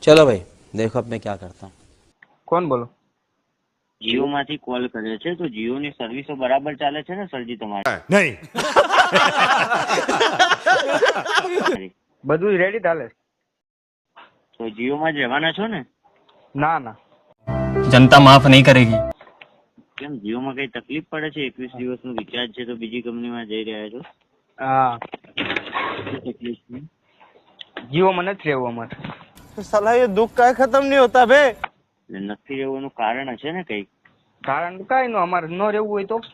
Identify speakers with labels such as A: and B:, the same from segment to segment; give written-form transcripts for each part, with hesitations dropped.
A: चलो भाई देखो अब मैं क्या करता हूँ।
B: કોણ બોલો?
C: જીઓ માંથી કોલ કર્યો છે તો જીઓ ની સર્વિસો બરાબર ચાલે છે ને સરજી તમારી?
D: नहीं
B: બધું રેડી ચાલે છે.
C: તો જીઓ માં જ રહેવાના છો ને?
B: ના ના,
E: जनता माफ नहीं करेगी।
C: કેમ જીઓ માં કઈ તકલીફ પડે છે? 21 દિવસનું રિચાર્જ છે તો બીજી કંપનીમાં જઈ રહ્યા છો?
B: હા
C: શું તકલીફ છે?
B: જીઓમાં નથી રહેવું અમારે.
D: साला ये दुख का खत्म नहीं होता बे।
C: એટલે નથી રહેવાનું કારણ હશે ને કઈક?
B: કારણ તો કાંઈ ન, અમારે ન રહેવું હોય તો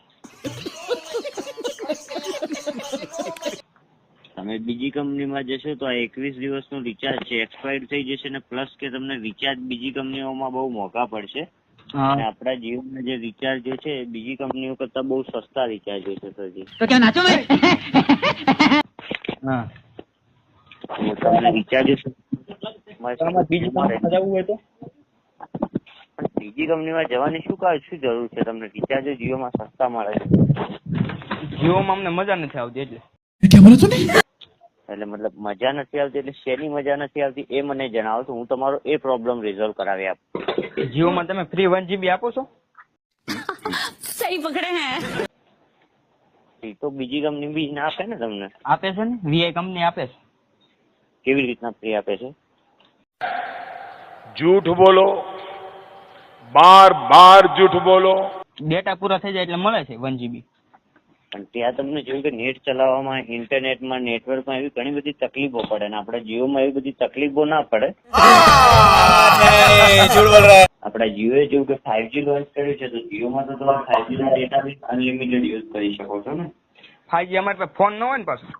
C: તમે બીજી કંપનીમાં જશો તો આ 21 દિવસનું રિચાર્જ છે એક્સપાયર થઈ જશે ને પ્લસ કે તમને રિચાર્જ બીજી કંપનીઓમાં બહુ મોંઘા પડશે. અને આપણા જીઓના જે રિચાર્જ છે એ બીજી કંપનીઓ કરતા બહુ સસ્તા રિચાર્જ છે સરજી.
E: तो क्या नाचो मैं?
B: હા
C: તો તમને રિચાર્જ
B: બીજી કંપનીમાં જવું હોય તો
C: બીજી કંપનીમાં જવાની શું જરૂર છે? તમને રિચાર્જ જીઓમાં સસ્તા મળે છે.
B: જીઓમાં અમને મજા નથી આવતી એટલે.
C: એટલે મતલબ મજા નથી આવતી એટલે શેની મજા નથી આવતી એ મને જણાવો તો હું તમારો એ પ્રોબ્લેમ રિઝોલ્વ કરાવી આપું.
B: જીઓમાં તમે ફ્રી 1 GB આપો છો?
F: सही पकड़े हैं।
C: એ તો બીજી કંપની બી ના આપે ને તમને.
B: આપે છે ને, વીઆઈ કંપની આપે છે.
C: કેવી રીતના ફ્રી આપે છે?
D: झूठ बोलो, बार बार झूठ बोलो।
B: ડેટા પૂરા થઈ જાય એટલે મળે છે 1 GB.
C: પણ ત્યાં તમને જોયું કે નેટ ચલાવવામાં, ઇન્ટરનેટમાં, નેટવર્કમાં એવી ઘણી બધી તકલીફો પડે ને આપણા જીઓમાં એવી બધી તકલીફો ના પડે. આપણા જીઓએ જેવું કે 5G લોન્ચ કર્યું છે તો જીઓમાં તો તમે 5G ના ડેટા બી અનલિમિટેડ યુઝ કરી શકો છો ને.
B: 5G અમારે પાસે ફોન ન હોય ને પાછું.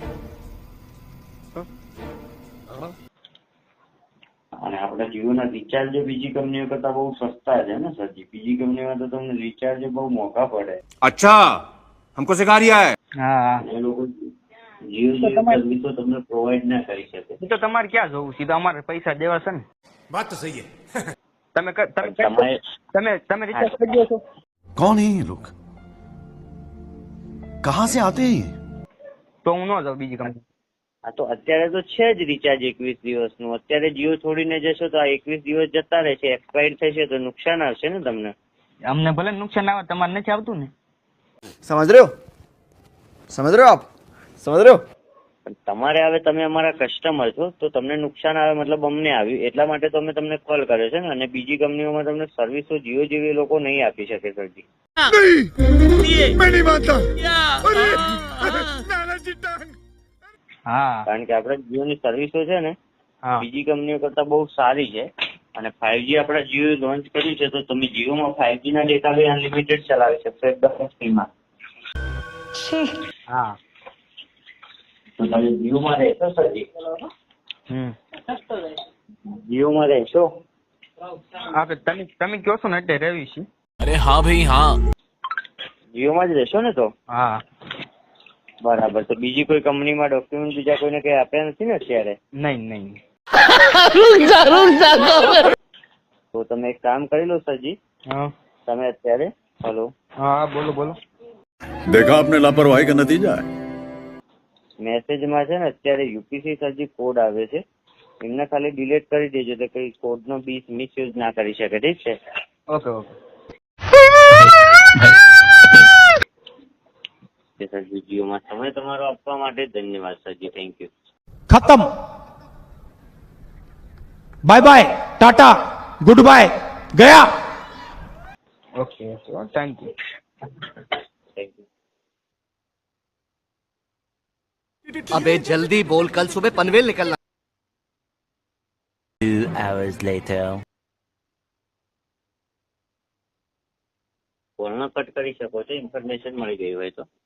C: અને આપણા જીઓના રિચાર્જ બીજી કંપનીઓ કરતા બહુ સસ્તા છે ને સરજી. બીજી કંપનીમાં તો તમને રિચાર્જ બહુ મોંઘા પડે.
D: अच्छा हमको सिखा रिया है।
B: હા
C: એ લોકો જીઓ જેવી સર્વિસો તમને પ્રોવાઈડ ના કરી શકે.
B: એ તો તમારે ક્યાં જવું, સીધા અમારે પૈસા દેવા છે ને.
D: बात तो सही है।
B: તમે
C: તમારે
B: તમે રિચાર્જ કરી દો છો?
G: कौन है ये लोग? कहां से आते हैं ये?
B: તો હું ન જાઉં બીજી કંપની.
C: હા તો અત્યારે તો છે જ રિચાર્જ 21 દિવસનું. અત્યારે જીઓ છોડીને જશો તો આ 21 દિવસ જતા રહેશે, એક્સપાયર થશે તો નુકસાન આવશે ને તમને.
B: અમને ભલે નુકસાન આવે, તમારે નથી આવતું ને.
G: समझ रहे हो? समझ रहे हो आप? समझ रहे हो?
C: પણ તમારે આવે, તમે અમારા કસ્ટમર છો તો તમને નુકસાન આવે મતલબ અમને આવ્યું એટલા માટે તો અમે તમને કોલ કર્યો છે ને. અને બીજી કંપનીઓમાં તમને સર્વિસો જીઓ જેવી એ લોકો નહીં આપી શકે સરજી.
D: मैं नहीं मानता।
B: હા
C: કારણ કે આપણે જીઓની સર્વિસો છે ને
B: હા
C: બીજી કંપનીઓ કરતા બહુ સારી છે. અને 5G આપણા જીઓ લોન્ચ કર્યું છે તો તમે જીઓમાં 5G ના ડેટા બી અનલિમિટેડ ચલાવી શકશો એકદમ ફ્રીમાં.
B: હા
C: તો તમે જીઓમાં રહેશો સરજી? જીઓમાં રહેશો?
B: હા તમે કહો છો ને એટલે રહેવી છે.
E: अरे हाँ भाई हाँ।
C: જીઓમાં જ રહેશો ને તો?
B: હા
C: બરાબર. તો બીજી કોઈ કંપનીમાં ડોક્યુમેન્ટ બીજા કોઈને કઈ આપ્યા નથી ને અત્યારે?
B: નહીં નહીં.
C: તો તમે એક કામ કરી લો સરજી.
B: હા
C: તમે અત્યારે હલો
B: હા બોલો બોલો.
G: देखा आपने लापरवाही का नतीजा है।
C: મેસેજમાં છે ને અત્યારે યુપીસી સરજી કોડ આવે છે એમને ખાલી ડિલીટ કરી દેજો એટલે કઈ કોડનો મિસયુઝ ના કરી શકે. ઠીક છે?
B: Okay okay.
C: સરજી જીઓમાં સમય તમારો આપવા માટે ધન્યવાદ સરજી. Thank you.
H: खत्म। Bye bye, tata, good bye, गया।
B: Okay okay thank you.
C: Thank you.
E: अबे जल्दी बोल, कल सुबह पनवेल निकलना।
A: 2 hours later.
C: કોલનો કટ કરી શકો છો ઇન્ફોર્મેશન મળી ગઈ હોય તો.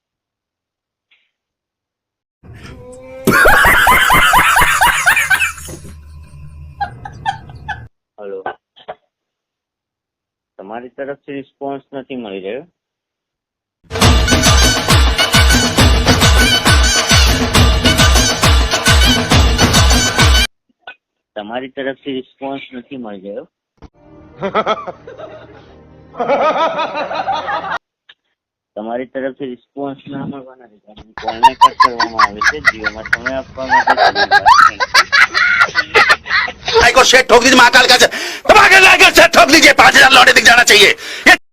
C: હલો, તમારી તરફથી રિસ્પોન્સ નથી મળી રહ્યો. તમારી તરફથી રિસ્પોન્સ નથી મળી રહ્યો. તમારી તરફથી રિસ્પોન્સ ના મળવાના લીધે કોલને કટ કરવામાં આવે છે. જીઓમાં સમય આપવા માટે ધન્યવાદ.
I: सेट ठोक दीजिए, महाकाल का धमाकेदार सेट ठोक दीजिए, 5,000 लौटे दिख जाना चाहिए।